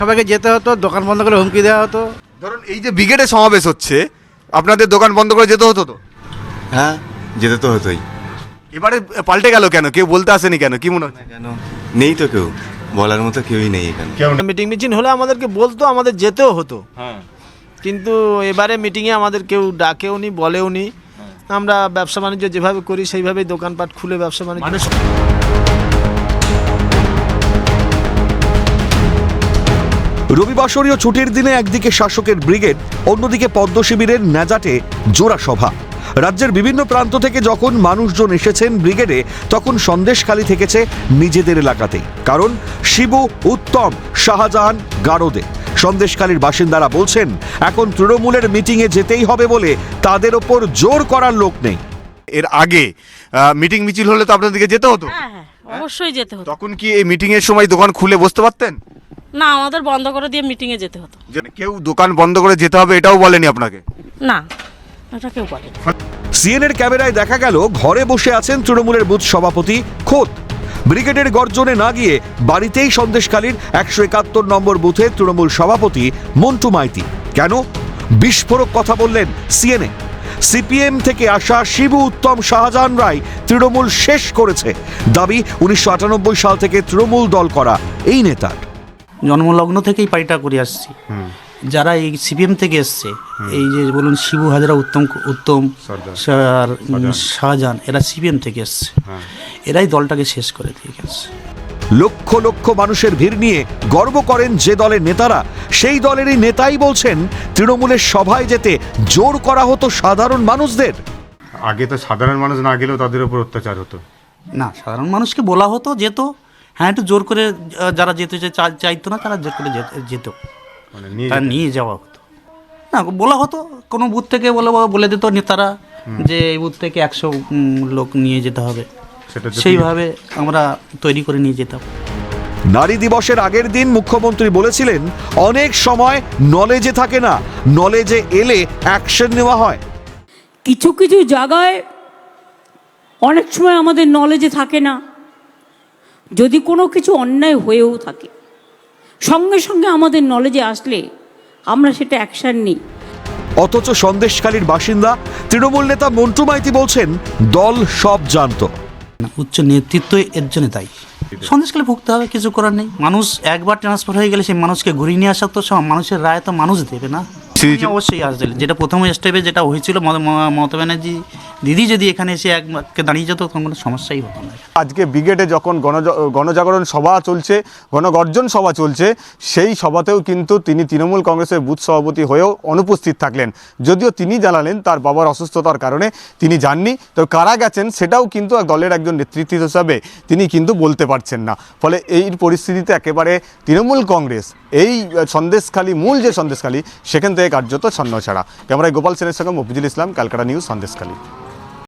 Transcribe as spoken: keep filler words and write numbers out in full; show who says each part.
Speaker 1: সবাইকে যেতে হতো, দোকান বন্ধ করে হুমকি দেওয়া হতো।
Speaker 2: ধরুন এই যে ব্রিগেডে সমাবেশ হচ্ছে, আপনাদের দোকান বন্ধ করে যেতে হতো তো?
Speaker 3: হ্যাঁ, যেতে তো হতোই।
Speaker 2: এবারে পাল্টে গেল কেন? কেউ বলতে আসেনি কেন? কি মনে হচ্ছে?
Speaker 3: কেন নেই তো কেউ, বলার মতো কেউই নেই এখানে।
Speaker 4: মিটিং মিছিল হলে আমাদেরকে বলতো, আমাদের যেতেও হতো,
Speaker 2: হ্যাঁ,
Speaker 4: কিন্তু এবারে মিটিংয়ে আমাদের কেউ ডাকেও নি, বলেও নি। আমরা ব্যবসা বাণিজ্য যেভাবে করি সেইভাবেই দোকানপাট খুলে ব্যবসা বাণিজ্য।
Speaker 5: রবিবাসরীয় ছুটির দিনে একদিকে শাসকের ব্রিগেড, অন্যদিকে পদ্ম শিবিরের ন্যাজাটে জোড়া সভা। রাজ্যের বিভিন্ন প্রান্ত থেকে যখন মানুষজন এসেছেন ব্রিগেডে, তখন সন্দেশখালী থেকেছে নিজেদের এলাকাতেই। কারণ শিবু, উত্তম, শাহজাহান, গারদে সন্দেশখালীর বাসিন্দারা বলছেন এখন তৃণমূলের মিটিংয়ে যেতেই হবে বলে তাদের ওপর জোর করার লোক নেই।
Speaker 2: এর আগে মিটিং মিছিল হলে তো আপনাদেরকে যেতে হতো।
Speaker 6: হ্যাঁ হ্যাঁ অবশ্যই যেতে হতো।
Speaker 2: তখন কি এই মিটিং এর সময় দোকান খুলে বসতে পারতেন?
Speaker 6: না, আমাদের বন্ধ করে দিয়ে মিটিংয়ে যেতে হতো।
Speaker 2: যে কেউ দোকান বন্ধ করে যেতে হবে এটাও বলেনি আপনাকে?
Speaker 6: না, এটা কেউ বলে।
Speaker 5: সিএনএর ক্যামেরায় দেখা গেল ঘরে বসে আছেন তৃণমূলের বুথ সভাপতি খোদ। ব্রিগেডের গর্জনে না গিয়ে বাড়িতেই সন্দেশখালীর একশো একাত্তর নম্বর বুথে তৃণমূল সভাপতি মন্টু মাইতি। কেন? বিস্ফোরক কথা বললেন সিএনএ। সিপিএম থেকে আসা শিবু, উত্তম, শাহজাহান রায় তৃণমূল শেষ করেছে দাবি উনিশশো আটানব্বই সাল থেকে তৃণমূল দল করা এই নেতার।
Speaker 1: জন্মলগ্ন থেকেই পার্টিটা করে আসছি। যারা এই সিপিএম থেকে এসছে, এই যে বলুন শিবু হাজরা, উত্তম উত্তম আর শাহজাহান, এরা সিপিএম থেকে এসছে। এরাই দলটাকে শেষ করে দিয়ে গেছে।
Speaker 5: লক্ষ লক্ষ মানুষের ভিড় নিয়ে গর্ব করেন যে দলের নেতারা, সেই দলেরই নেতাই বলছেন তৃণমূলের সভায় যেতে জোর করা হতো সাধারণ মানুষদের।
Speaker 7: আগে তো সাধারণ মানুষ না গেলেও তাদের উপর অত্যাচার হতো।
Speaker 1: না, সাধারণ মানুষকে বলা হতো, যেত। হ্যাঁ, একটু জোর করে আহ, যারা যেতে চা- চাইতো না তারা জোর করে যেত- যেত
Speaker 7: মানে নিয়ে
Speaker 1: তারা নিয়ে যাওয়া হতো। না, বলা হতো, কোনো বুথ থেকে বলে বলে দিত নেতারা যে এই বুথ থেকে একশো উম, লোক নিয়ে যেতে হবে।
Speaker 7: সেটা যদি-
Speaker 1: সেইভাবে আমরা তৈরি করে নিয়ে যেতাম।
Speaker 5: নারী দিবসের আগের দিন মুখ্যমন্ত্রী বলেছিলেন অনেক সময় নলেজে থাকে না, নলেজে এলে অ্যাকশন নেওয়া হয়।
Speaker 8: কিছু কিছু জায়গায় অনেক সময় আমাদের নলেজে থাকে না, যদি কোনো কিছু অন্যায় হয়েও থাকে সঙ্গে সঙ্গে আমাদের নলেজে আসলে আমরা সেটা অ্যাকশন নিই।
Speaker 5: অথচ সন্দেশখালীর বাসিন্দা তৃণমূল নেতা মন্টু মাইতি বলছেন দল সব জানতো।
Speaker 1: উচ্চ নেতৃত্বই এর জন্য দায়ী। সন্দেশকালে ভুগতে হবে, কিছু করার নেই। মানুষ একবার ট্রান্সফার হয়ে গেলে সেই মানুষকে ঘুরিয়ে নিয়ে আসা তো সব মানুষের রায় তো মানুষ দেবে না। অবশ্যই আসবে। যেটা প্রথম স্টেপে যেটা হয়েছিল, মমতা ব্যানার্জি দিদি যদি এখানে এসে এককে দাঁড়িয়ে যেত তখন কোনো সমস্যাই হতো না।
Speaker 2: আজকে ব্রিগেডে যখন গণ গণজাগরণ সভা চলছে, গণগর্জন সভা চলছে, সেই সভাতেও কিন্তু তিনি তৃণমূল কংগ্রেসের বুথ সভাপতি হয়েও অনুপস্থিত থাকলেন। যদিও তিনি জানালেন তার বাবার অসুস্থতার কারণে তিনি যাননি, তো কারা গেছেন সেটাও কিন্তু দলের একজন নেতৃত্ব হিসাবে তিনি কিন্তু বলতে পারছেন না। ফলে এই পরিস্থিতিতে একেবারে তৃণমূল কংগ্রেস এই সন্দেশখালী, মূল যে সন্দেশখালী, সেখান থেকে কার্যত ছন্ন ছাড়া। ক্যামেরায় গোপাল সেনের সঙ্গে মফিজুল ইসলাম, ক্যালকাটা নিউজ, সন্দেশখালী।